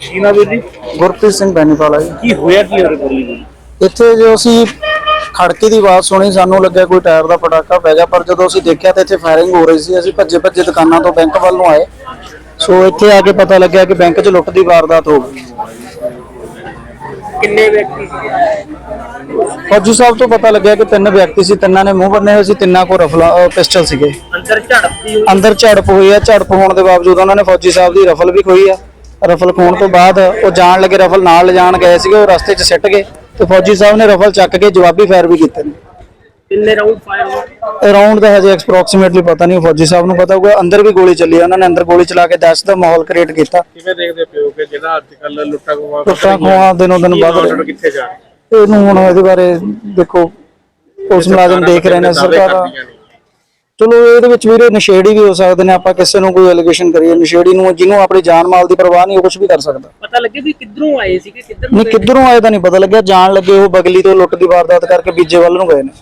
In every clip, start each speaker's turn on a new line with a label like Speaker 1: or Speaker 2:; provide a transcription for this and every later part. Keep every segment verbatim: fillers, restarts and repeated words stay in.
Speaker 1: ਕੀ ਨਾਮ ਵੀਰ ਜੀ?
Speaker 2: ਗੁਰਪ੍ਰੀਤ ਸਿੰਘ ਬੈਨੀਵਾਲਾ ਜੀ।
Speaker 1: ਕੀ ਹੋਇਆ ਕੀ ਹੋਰੇ ਬੋਲੀ ਜੀ?
Speaker 2: ਇੱਥੇ ਜੋ ਅਸੀਂ ਖੜਕੇ ਦੀ ਆਵਾਜ਼ ਸੁਣੀ, ਸਾਨੂੰ ਲੱਗਿਆ ਕੋਈ ਟਾਇਰ ਦਾ ਪਟਾਕਾ ਪੈ ਗਿਆ, ਪਰ ਜਦੋਂ ਅਸੀਂ ਦੇਖਿਆ ਤਾਂ ਇੱਥੇ ਫਾਇਰਿੰਗ ਹੋ ਰਹੀ ਸੀ। ਅਸੀਂ ਭੱਜੇ ਭੱਜੇ ਦੁਕਾਨਾਂ ਤੋਂ ਬੈਂਕ ਵੱਲ ਨੂੰ ਆਏ। ਸੋ ਇੱਥੇ ਆ ਕੇ ਪਤਾ ਲੱਗਿਆ ਕਿ ਬੈਂਕ 'ਚ ਲੁੱਟ ਦੀ ਵਾਰਦਾਤ ਹੋ ਗਈ।
Speaker 1: ਕਿੰਨੇ ਵਿਅਕਤੀ ਸੀ?
Speaker 2: ਫੌਜੀ ਸਾਹਿਬ ਤੋਂ ਪਤਾ ਲੱਗਿਆ ਕਿ ਤਿੰਨ ਵਿਅਕਤੀ ਸੀ, ਤਿੰਨਾਂ ਨੇ ਮੂੰਹ ਬੰਨੇ ਹੋਏ ਸੀ, ਤਿੰਨਾਂ ਕੋਲ ਰਫਲਾ ਪਿਸਟਲ ਸੀਗੇ।
Speaker 1: ਅੰਦਰ ਝੜਪ ਦੀ
Speaker 2: ਅੰਦਰ ਝੜਪ ਹੋਈ ਆ। ਝੜਪ ਹੋਣ ਦੇ ਬਾਵਜੂਦ ਉਹਨਾਂ ਨੇ ਫੌਜੀ ਸਾਹਿਬ ਦੀ ਰਫਲ ਵੀ ਖੋਈ ਆ। ਰਫਲ ਖੋਣ ਤੋਂ ਬਾਅਦ ਉਹ ਜਾਣ ਲੱਗੇ, ਰਫਲ ਨਾਲ ਲਿਜਾਣ ਗਏ ਸੀਗੇ, ਉਹ ਰਸਤੇ 'ਚ ਸਿੱਟ ਗਏ ਤੇ ਫੌਜੀ ਸਾਹਿਬ ਨੇ ਰਫਲ ਚੱਕ ਕੇ ਜਵਾਬੀ ਫਾਇਰ ਵੀ ਕੀਤੇ ਨੇ।
Speaker 1: ਕਿੰਨੇ ਰਾਉਂਡ ਫਾਇਰ ਹੋਏ?
Speaker 2: ਰਾਉਂਡ ਦਾ ਹਜੇ ਐਕਸਪ੍ਰੋਕਸੀਮੇਟਲੀ ਪਤਾ ਨਹੀਂ, ਫੌਜੀ ਸਾਹਿਬ ਨੂੰ ਪਤਾ ਹੋਊਗਾ। ਅੰਦਰ ਵੀ ਗੋਲੀ ਚੱਲੀ, ਉਹਨਾਂ ਨੇ ਅੰਦਰ ਗੋਲੀ ਚਲਾ ਕੇ ਦਹਿਸ਼ਤ ਦਾ ਮਾਹੌਲ ਕ੍ਰੀਏਟ ਕੀਤਾ।
Speaker 1: ਕਿਵੇਂ ਦੇਖਦੇ ਪਿਓ ਕਿ ਜਿਹੜਾ ਅੱਜ ਕੱਲ ਲੁੱਟਾਂ ਖੋਹਾਂ
Speaker 2: ਲੁੱਟਾਂ ਖੋਹਾਂ ਦਿਨੋਂ ਦਿਨ ਵੱਧ ਰਹੀਆਂ,
Speaker 1: ਕਿੱਥੇ ਜਾ ਰਹੇ?
Speaker 2: ਇਹਨੂੰ ਹੁਣ ਇਹਦੇ ਬਾਰੇ ਦੇਖੋ ਪੁਲਿਸ ਮੁਲਾਜ਼ਮ ਦੇਖ ਰਹੇ ਨੇ, ਸਰਕਾਰਾਂ। ਚਲੋ ਇਹਦੇ ਵਿੱਚ ਵੀਰੇ ਨਸ਼ੇੜੀ ਵੀ ਹੋ ਸਕਦੇ ਨੇ, ਆਪਾਂ ਕਿਸੇ ਨੂੰ ਕੋਈ ਐਲੀਗੇਸ਼ਨ ਕਰੀਏ ਨਸ਼ੇੜੀ ਨੂੰ, ਜਿਹਨੂੰ ਆਪਣੀ ਜਾਨ ਮਾਲ ਦੀ ਪਰਵਾਹ ਨਹੀਂ, ਉਹ ਕੁਝ ਵੀ ਕਰ ਸਕਦਾ।
Speaker 1: ਪਤਾ ਲੱਗੇ ਵੀ ਕਿੱਧਰੋਂ ਆਏ ਸੀਗੇ, ਕਿੱਧਰ
Speaker 2: ਨਹੀਂ ਕਿੱਧਰੋਂ ਆਏ ਤਾਂ ਨਹੀਂ ਪਤਾ ਲੱਗਿਆ। ਜਾਣ ਲੱਗੇ ਉਹ ਬਗਲੀ ਤੋਂ ਲੁੱਟ ਦੀ ਵਾਰਦਾਤ ਕਰਕੇ ਬੀਜੇ ਵੱਲ ਨੂੰ ਗਏ ਨੇ।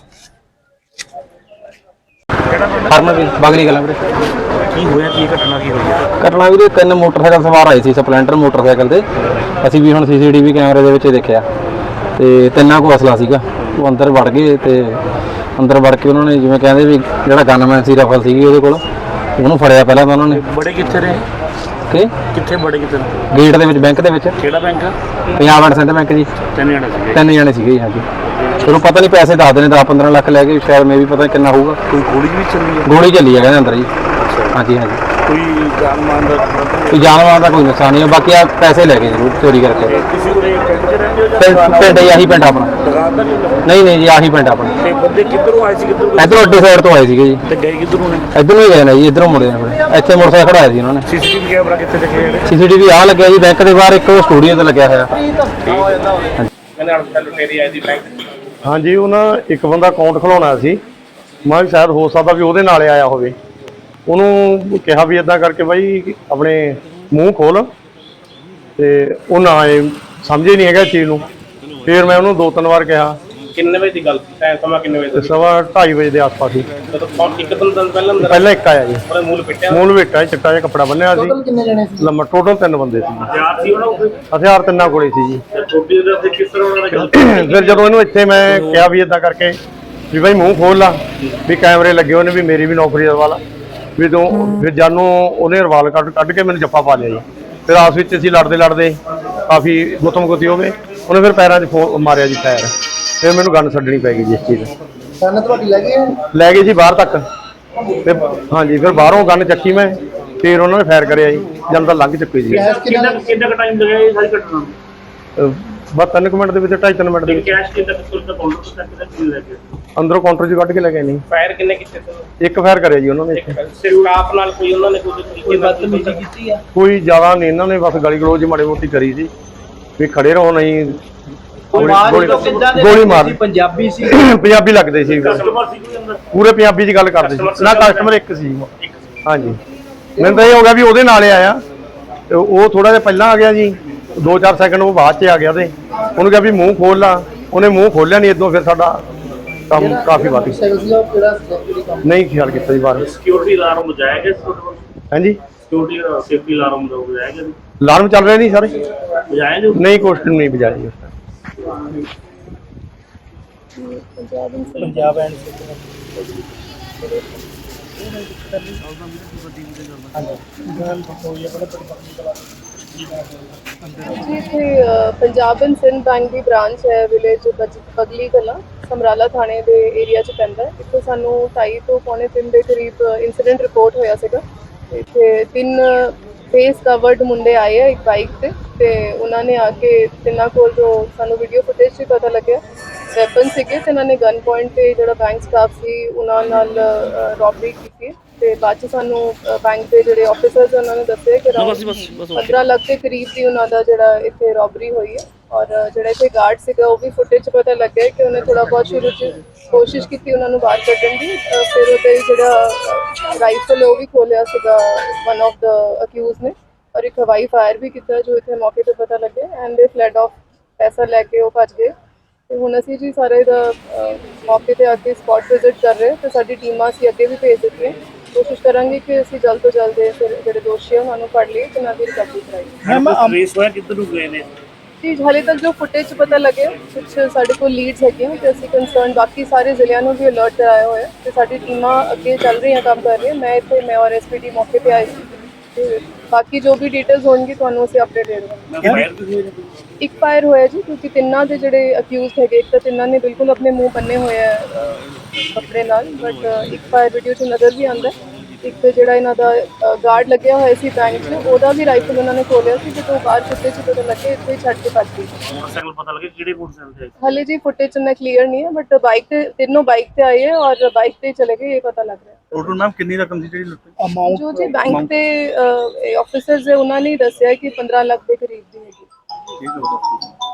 Speaker 3: ਬਗਲੀ ਕਲਾਂ ਵੀਰੇ।
Speaker 1: ਕੀ ਹੋਇਆ, ਕੀ ਘਟਨਾ ਕੀ ਹੋਈ ਹੈ?
Speaker 3: ਘਟਨਾ ਵੀਰੇ ਤਿੰਨ ਮੋਟਰਸਾਈਕਲ ਸਵਾਰ ਆਏ ਸੀ, ਸਪਲੈਂਡਰ ਮੋਟਰਸਾਈਕਲ ਤੇ। ਅਸੀਂ ਵੀ ਹੁਣ ਸੀਸੀਟੀਵੀ ਕੈਮਰੇ ਦੇ ਵਿੱਚ ਦੇਖਿਆ ਤੇ ਤਿੰਨਾਂ ਕੋਲ ਅਸਲਾ ਸੀਗਾ। ਉਹ ਅੰਦਰ ਵੜ ਗਏ ਤੇ ਅੰਦਰ ਵੜ ਕੇ ਉਹਨਾਂ ਨੇ ਜਿਵੇਂ ਕਹਿੰਦੇ ਵੀ ਜਿਹੜਾ ਗਨਮੈਨ ਸੀ, ਰਫਲ ਸੀਗੀ ਉਹਦੇ ਕੋਲ, ਉਹਨੂੰ ਫੜਿਆ ਪਹਿਲਾਂ ਤਾਂ ਉਹਨਾਂ ਨੇ।
Speaker 1: ਬੜੇ ਕਿੱਥੇ ਰਹੇ?
Speaker 3: ਕਿ
Speaker 1: ਕਿੱਥੇ ਬੜੇ ਕਿੱਥੇ?
Speaker 3: ਗੇਟ ਦੇ ਵਿੱਚ, ਬੈਂਕ ਦੇ ਵਿੱਚ।
Speaker 1: ਕਿਹੜਾ bank?
Speaker 3: Punjab and Sindh bank ਜੀ।
Speaker 1: ਤਿੰਨ ਜਣੇ ਸੀਗੇ?
Speaker 3: ਤਿੰਨ ਜਣੇ ਸੀਗੇ ਜੀ, ਹਾਂਜੀ। ਤੁਹਾਨੂੰ ਪਤਾ ਨਹੀਂ, ਪੈਸੇ ਦੱਸਦੇ ਨੇ ਦਸ ਪੰਦਰਾਂ ਲੱਖ ਲੈ ਕੇ, ਸ਼ਾਇਦ ਮੈਂ ਵੀ ਪਤਾ ਕਿੰਨਾ ਹੋਊਗਾ।
Speaker 1: ਕੋਈ ਗੋਲੀ ਵੀ ਚੱਲੀ ਹੈ?
Speaker 3: ਗੋਲੀ ਚੱਲੀ ਹੈ ਕਹਿੰਦੇ ਅੰਦਰ ਜੀ। ਹਾਂਜੀ ਹਾਂਜੀ।
Speaker 1: ਕੋਈ ਜਾਨ ਮਾਲ ਦਾ?
Speaker 3: ਕੋਈ ਜਾਨ ਮਾਲ ਦਾ ਕੋਈ ਨੁਕਸਾਨ ਨਹੀਂ, ਬਾਕੀ ਆ ਪੈਸੇ ਲੈ ਗਏ ਜ਼ਰੂਰ ਚੋਰੀ ਕਰਕੇ।
Speaker 1: ਕਿਸੇ ਕੋਲੇ ਪਿੰਡ 'ਚ ਰਹਿੰਦੇ ਹੋ ਜਾਂ
Speaker 3: ਪਿੰਡ ਪਿੰਡ ਆਹੀ ਪਿੰਡ ਆਪਣਾ।
Speaker 1: ਦੁਕਾਨ ਤਾਂ ਨਹੀਂ?
Speaker 3: ਨਹੀਂ ਨਹੀਂ ਜੀ, ਆਹੀ ਪਿੰਡ ਆਪਣਾ।
Speaker 1: ਤੇ ਬੰਦੇ ਕਿੱਧਰੋਂ ਆਏ ਸੀ, ਕਿੱਧਰੋਂ?
Speaker 3: ਇੱਧਰੋਂ ਅੱਡੇ ਸਾਈਡ ਤੋਂ ਆਏ ਸੀਗੇ ਜੀ।
Speaker 1: ਤੇ ਗਏ ਕਿੱਧਰੋਂ ਨੇ?
Speaker 3: ਇੱਧਰੋਂ ਹੀ ਗਏ ਨੇ ਜੀ, ਇੱਧਰੋਂ ਮੁੜੇ ਨੇ। ਇੱਥੇ ਮੋਟਰਸਾਈਕਲ ਖੜਾਇਆ ਸੀ ਉਹਨਾਂ ਨੇ।
Speaker 1: ਸੀਸੀਟੀਵੀ ਕੈਮਰਾ ਕਿੱਥੇ ਦੇਖੇ ਜਿਹੜੇ?
Speaker 3: ਸੀਸੀਟੀਵੀ ਆ ਲੱਗਿਆ ਜੀ ਬੈਂਕ ਦੇ ਬਾਹਰ, ਇੱਕ ਸਟੂਡੀਓ ਤੇ ਲੱਗਿਆ ਹੋਇਆ।
Speaker 1: ਕਹਿੰਦੇ ਅਣਪਛਾਤੇ ਲੁਟੇਰੇ ਆਏ ਸੀ ਬੈਂਕ।
Speaker 4: ਹਾਂਜੀ, ਉਹਨਾਂ ਇੱਕ ਬੰਦਾ ਅਕਾਊਂਟ ਖੁਲਾਉਣਾ ਸੀ। ਮੈਂ ਵੀ ਸ਼ਾਇਦ ਹੋ ਸਕਦਾ ਵੀ ਉਹਦੇ ਨਾਲ ਆਇਆ ਹੋਵੇ। ਉਹਨੂੰ ਕਿਹਾ ਵੀ ਇਦਾਂ ਕਰਕੇ ਬਾਈ ਆਪਣੇ ਮੂੰਹ ਖੋਲ, ਤੇ ਉਹ ਨਾ ਆਏ, ਸਮਝੇ ਨਹੀਂ ਹੈਗਾ ਚੀਜ਼ ਨੂੰ। ਫਿਰ ਮੈਂ ਉਹਨੂੰ ਦੋ ਤਿੰਨ ਵਾਰ ਕਿਹਾ।
Speaker 1: ਕਿੰਨੇ ਵਜੇ ਦੀ ਗੱਲ ਸੀ? ਟਾਈਮ ਸਮਾਂ ਕਿੰਨੇ ਵਜੇ ਦਾ?
Speaker 4: ਸਵਾ ਢਾਈ ਵਜੇ ਦੇ ਆਸ-ਪਾਸ ਸੀ।
Speaker 1: ਇੱਕ ਦਿਨ ਪਹਿਲਾਂ ਅੰਦਰ
Speaker 4: ਪਹਿਲਾਂ ਇੱਕ ਆਇਆ ਜੀ।
Speaker 1: ਉਹਨੇ ਮੂਲ ਪਿੱਟਿਆ?
Speaker 4: ਮੂਲ ਵੇਟਾ, ਚਿੱਟਾ ਜਿਹਾ ਕੱਪੜਾ ਬੰਨਿਆ ਸੀ।
Speaker 2: ਟੋਟਲ ਕਿੰਨੇ ਜਣੇ ਸੀ?
Speaker 4: ਲੰਮਾ ਟੋਟਲ ਤਿੰਨ ਬੰਦੇ ਸੀ।
Speaker 1: ਹਥਿਆਰ ਸੀ ਉਹਨਾਂ ਕੋਲ?
Speaker 4: ਹਥਿਆਰ ਤਿੰਨਾਂ ਕੋਲੇ ਸੀ ਜੀ।
Speaker 1: ਛੋਟੀ ਜਿਹੀ ਤੇ ਕਿਸ ਤਰ੍ਹਾਂ ਉਹਨਾਂ ਨੇ ਗੱਲ?
Speaker 4: ਫਿਰ ਜਦੋਂ ਇਹਨੂੰ ਇੱਥੇ ਮੈਂ ਕਿਹਾ ਵੀ ਇਦਾਂ ਕਰਕੇ ਵੀ ਬਾਈ ਮੂੰਹ ਖੋਲ ਲਾ, ਵੀ ਕੈਮਰੇ ਲੱਗੇ ਹੋਏ ਨੇ, ਵੀ ਮੇਰੀ ਵੀ ਨੌਕਰੀ ਦਾ ਵਾਲਾ ਵੀ ਤੂੰ। ਫਿਰ ਜਾਨੂੰ ਉਹਨੇ ਰਵਾਲ ਕੱਢ ਕੱਢ ਕੇ ਮੈਨੂੰ ਜੱਫਾ ਪਾ ਲਿਆ ਜੀ। ਫਿਰ ਆਸ ਵਿੱਚ ਅਸੀਂ ਲੜਦੇ ਲੜਦੇ ਕਾਫੀ ਗੁੱਤਮ ਗੁੱਤੀ ਹੋ ਗਏ। ਉਹਨੇ ਫਿਰ ਪੈਰਾਂ 'ਚ ਫੋ ਮਾਰਿਆ ਜੀ ਫਾਇਰ। ਫਿਰ ਮੈਨੂੰ ਗੰਨ ਛੱਡਣੀ ਪੈ ਗਈ ਜੀ ਇਸ ਚੀਜ਼।
Speaker 2: ਗੰਨ ਤੁਹਾਡੀ ਲੈ ਗਏ?
Speaker 4: ਲੈ ਗਏ ਜੀ ਬਾਹਰ ਤੱਕ। ਤੇ ਹਾਂਜੀ, ਫਿਰ ਬਾਹਰੋਂ ਗੰਨ ਚੱਕੀ ਮੈਂ, ਫਿਰ ਉਹਨਾਂ ਨੇ ਫਾਇਰ ਕਰਿਆ ਜੀ। ਜਦ ਤਾਂ ਲੰਘ ਚੁੱਕੀ ਜੀ।
Speaker 1: ਕਿੰਨਾ ਕਿੰਨਾ ਟਾਈਮ ਲੱਗਿਆ ਇਹ ਸਾਰੀ ਘਟਨਾ ਨੂੰ?
Speaker 4: ਬਸ ਤਿੰਨ ਕੁ ਮਿੰਟ ਦੇ ਵਿੱਚ, ਢਾਈ ਤਿੰਨ ਮਿੰਟ ਦੇ ਵਿੱਚ।
Speaker 1: ਕੈਸ਼ ਕਿੰਨਾ ਪਿਸਤੌਲ ਦਾ ਕਾਊਂਟਰ ਤੋਂ ਚੱਕ ਕੇ ਕਿੰਨੇ ਲੈ ਗਏ?
Speaker 4: ਅੰਦਰੋਂ ਕਾਊਂਟਰ 'ਚ ਕੱਢ ਕੇ ਲੈ ਗਏ ਨਹੀਂ।
Speaker 1: ਫਾਇਰ ਕਿੰਨੇ ਕੀਤੇ ਸੀ?
Speaker 4: ਇੱਕ ਫਾਇਰ ਕਰਿਆ ਜੀ ਉਹਨਾਂ ਨੇ।
Speaker 1: ਸਟਾਫ ਨਾਲ ਕੋਈ ਉਹਨਾਂ ਨੇ ਕੋਈ ਤਰੀਕੇ ਨਾਲ ਬਦਤਮੀਜ਼ੀ ਕੀਤੀ ਆ?
Speaker 4: ਕੋਈ ਜ਼ਿਆਦਾ ਨਹੀਂ, ਇਹਨਾਂ ਨੇ ਬਸ ਗਲੀ ਗਲੋਚ ਮਾੜੀ ਮੋਟੀ ਕਰੀ ਸੀ ਵੀ ਖੜੇ ਰਹੋ, ਨਹੀਂ ਗੋਲੀ ਮਾਰ।
Speaker 5: ਪੰਜਾਬੀ ਸੀ?
Speaker 4: ਪੰਜਾਬੀ ਲੱਗਦੇ ਸੀ,
Speaker 1: ਕਸਟਮਰ ਸੀ ਕੋਈ ਅੰਦਰ?
Speaker 4: ਪੂਰੇ ਪੰਜਾਬੀ 'ਚ ਗੱਲ ਕਰਦੇ ਸੀ ਨਾ। ਕਸਟਮਰ ਇੱਕ ਸੀ। ਹਾਂਜੀ, ਮੈਨੂੰ ਤਾਂ ਇਹ ਹੋ ਗਿਆ ਵੀ ਉਹਦੇ ਨਾਲ ਆਇਆ ਤੇ ਉਹ ਥੋੜਾ ਜਿਹਾ ਪਹਿਲਾਂ ਆ ਗਿਆ ਜੀ। ਦੋ ਚਾਰ ਸੈਕਿੰਡ ਉਹ ਬਾਅਦ 'ਚ ਆ ਗਿਆ ਤੇ ਉਹਨੂੰ ਕਿਹਾ ਵੀ ਮੂੰਹ ਖੋਲ ਲਾ। ਉਹਨੇ ਮੂੰਹ ਖੋਲਿਆ ਨਹੀਂ। ਇਦੋਂ ਫਿਰ ਸਾਡਾ ਕੰਮ ਕਾਫੀ ਵੱਧ ਗਿਆ। ਨਹੀਂ ਖਿਆਲ ਕੀਤਾ ਜੀ ਬਾਹਰ।
Speaker 1: ਸਿਕਿਉਰਿਟੀ ਅਲਾਰਮ ਵਜਾਇਆ ਗਿਆ?
Speaker 4: ਹਾਂਜੀ,
Speaker 1: ਸਿਕਿਉਰਿਟੀ ਸੇਫਟੀ ਅਲਾਰਮ ਵਜਾਇਆ ਗਿਆ?
Speaker 4: ਅਲਾਰਮ ਚੱਲ ਰਹੇ ਨਹੀਂ ਸਾਰੇ?
Speaker 1: ਵਜਾਇਆ ਜੋ?
Speaker 4: ਨਹੀਂ, ਕੁਐਸਚਨ ਨਹੀਂ ਵਜਾਇਆ ਜੀ।
Speaker 2: ਪੰਜਾਬ ਐਂਡ
Speaker 6: जी इतने पंजाब एंड सिंध बैंक की ब्रांच है विलेज बगली कला समराला थाने के एरिया च पैंदा है। इत्थे सानू ढाई तो पौने तीन के करीब इंसीडेंट रिपोर्ट होया सीगा। इत्थे तीन फेस कवर्ड मुंडे आए हैं एक बाइक से ते उन्होंने आके तिन्ना कोल जो सानू वीडियो फुटेज से पता लगे वैपन सीगे ते उन्होंने गन पॉइंट पे जो बैंक स्टाफ सी उन्हां नाल रॉबरी की। ਤੇ ਬਾਅਦ 'ਚ ਸਾਨੂੰ ਬੈਂਕ ਦੇ ਜਿਹੜੇ ਆਫਿਸਰਸ ਉਹਨਾਂ ਨੇ ਦੱਸਿਆ ਕਿ ਪੰਦਰਾਂ ਲੱਖ ਦੇ ਕਰੀਬ ਦੀ ਉਹਨਾਂ ਦਾ ਜਿਹੜਾ ਇੱਥੇ ਰੋਬਰੀ ਹੋਈ ਹੈ। ਔਰ ਜਿਹੜਾ ਇੱਥੇ ਗਾਰਡ ਸੀਗਾ ਉਹ ਵੀ ਫੁਟੇਜ 'ਚ ਪਤਾ ਲੱਗਿਆ ਕਿ ਉਹਨੇ ਥੋੜ੍ਹਾ ਬਹੁਤ ਸ਼ੁਰੂ 'ਚ ਕੋਸ਼ਿਸ਼ ਕੀਤੀ ਉਹਨਾਂ ਨੂੰ ਬਾਹਰ ਕੱਢਣ ਦੀ। ਫਿਰ ਉਹਦੇ ਜਿਹੜਾ ਰਾਈਫਲ ਉਹ ਵੀ ਖੋਲਿਆ ਸੀਗਾ ਵਨ ਆਫ ਦਾ ਅਕਿਊਜ਼ ਨੇ, ਔਰ ਇੱਕ ਹਵਾਈ ਫਾਇਰ ਵੀ ਕੀਤਾ ਜੋ ਇੱਥੇ ਮੌਕੇ 'ਤੇ ਪਤਾ ਲੱਗੇ। ਐਂਡ ਦੇ ਫਲੈਡ ਆਫ ਪੈਸਾ ਲੈ ਕੇ ਉਹ ਭੱਜ ਗਏ। ਤੇ ਹੁਣ ਅਸੀਂ ਜੀ ਸਾਰੇ ਦਾ ਮੌਕੇ 'ਤੇ ਆ ਕੇ ਸਪੌਟ ਵਿਜ਼ਿਟ ਕਰ ਰਹੇ ਤੇ ਸਾਡੀ ਟੀਮਾਂ ਅਸੀਂ ਅੱਗੇ ਵੀ ਭੇਜ ਦਿੱਤੀਆਂ। ਕੋਸ਼ਿਸ਼ ਕਰਾਂਗੇ ਕਿ ਅਸੀਂ ਜਲਦ ਤੋਂ ਜਲਦ ਇਹ ਫਿਰ ਜਿਹੜੇ ਦੋਸ਼ੀ ਆ ਉਹਨਾਂ ਨੂੰ ਫੜ ਲਈਏ ਤੇ ਉਹਨਾਂ ਦੀ ਰਿਕਵਰੀ ਕਰਾਈਏ।
Speaker 1: ਮੈਮ ਰੇਸ ਹੋਇਆ ਕਿੱਧਰ ਨੂੰ ਗਏ ਨੇ?
Speaker 6: ਜੀ ਹਾਲੇ ਤੱਕ ਜੋ ਫੁਟੇਜ ਪਤਾ ਲੱਗਿਆ ਕੁਝ ਸਾਡੇ ਕੋਲ ਲੀਡਸ ਹੈਗੀਆਂ ਤੇ ਅਸੀਂ ਕੰਸਰਨ ਬਾਕੀ ਸਾਰੇ ਜ਼ਿਲ੍ਹਿਆਂ ਨੂੰ ਵੀ ਅਲਰਟ ਕਰਾਇਆ ਹੋਇਆ ਤੇ ਸਾਡੀ ਟੀਮਾਂ ਅੱਗੇ ਚੱਲ ਰਹੀਆਂ ਕੰਮ ਕਰ ਰਹੀਆਂ। ਮੈਂ ਇੱਥੇ ਮੈਂ ਔਰ ਐਸਪੀਡੀ ਮੌਕੇ ਤੇ ਆਈ ਸੀ ਤੇ ਬਾਕੀ ਜੋ ਵੀ ਡਿਟੇਲਸ ਹੋਣਗੀ ਤੁਹਾਨੂੰ ਅਸੀਂ ਅਪਡੇਟ ਦੇ ਦੇਵਾਂਗੇ।
Speaker 1: ਮੈਂ ਫਾਇਰ ਵੀ ਹੋਏ ਨੇ?
Speaker 6: ਇੱਕ ਫਾਇਰ ਹੋਇਆ ਜੀ ਕਿਉਂਕਿ ਤਿੰਨਾਂ ਦੇ ਜਿਹੜੇ ਅਕਿਊਜ਼ਡ ਹੈਗੇ ਇੱਕ ਤਾਂ ਤਿੰਨਾਂ ਨੇ ਬਿਲਕੁਲ ਆਪਣੇ ਮੂੰਹ ਬੰਨੇ ਹੋਏ ਆ ਅਹ, ਕੱਪੜੇ ਨਾਲ ਬਟ ਇੱਕ ਫਾਇਰ ਵੀਡੀਓ 'ਚ ਨਜ਼ਰ ਵੀ ਆਉਂਦਾ। ਇੱਕ ਜਿਹੜਾ ਇਹਨਾਂ ਦਾ ਗਾਰਡ ਲੱਗਿਆ ਹੋਇਆ ਸੀ ਬੈਂਕ 'ਚ ਉਹਦਾ ਵੀ ਰਾਈਫਲ ਉਹਨਾਂ ਨੇ ਖੋਲਿਆ ਸੀ ਜਦੋਂ ਬਾਹਰ ਕੁੱਤੇ 'ਚ ਜਦੋਂ ਲੱਗੇ ਇੱਥੇ ਹੀ ਛੱਡ ਕੇ ਭੱਜ ਗਏ।
Speaker 1: ਮੋਟਰਸਾਈਕਲ ਪਤਾ ਲੱਗੇ ਕਿਹੜੇ ਮੋਟਰਸਾਈਕਲ ਤੇ ਆਏ?
Speaker 6: ਹਾਲੇ ਜੀ ਫੁਟੇਜ ਇੰਨਾ ਕਲੀਅਰ ਨਹੀਂ ਹੈ ਬਟ ਬਾਈਕ ਤੇ ਤਿੰਨੋਂ ਬਾਈਕ ਤੇ ਆਏ ਹੈ ਔਰ ਬਾਈਕ ਤੇ ਚਲੇ ਗਏ ਇਹ ਪਤਾ ਲੱਗ ਰਿਹਾ।
Speaker 5: ਟੋਟਲ ਮੈਮ ਕਿੰਨੀ ਰਕਮ ਸੀ ਜਿਹੜੀ ਲੁੱਟੀ?
Speaker 6: ਜੋ ਜੀ ਬੈਂਕ ਦੇ ਆਫੀਸਰਸ ਹੈ ਉਹਨਾਂ ਨੇ ਦੱਸਿਆ ਕਿ ਪੰਦਰਾਂ ਲੱਖ ਦੇ ਕਰੀਬ ਦੀ ਹੈਗੀ।
Speaker 5: ਠੀਕ ਹੈ।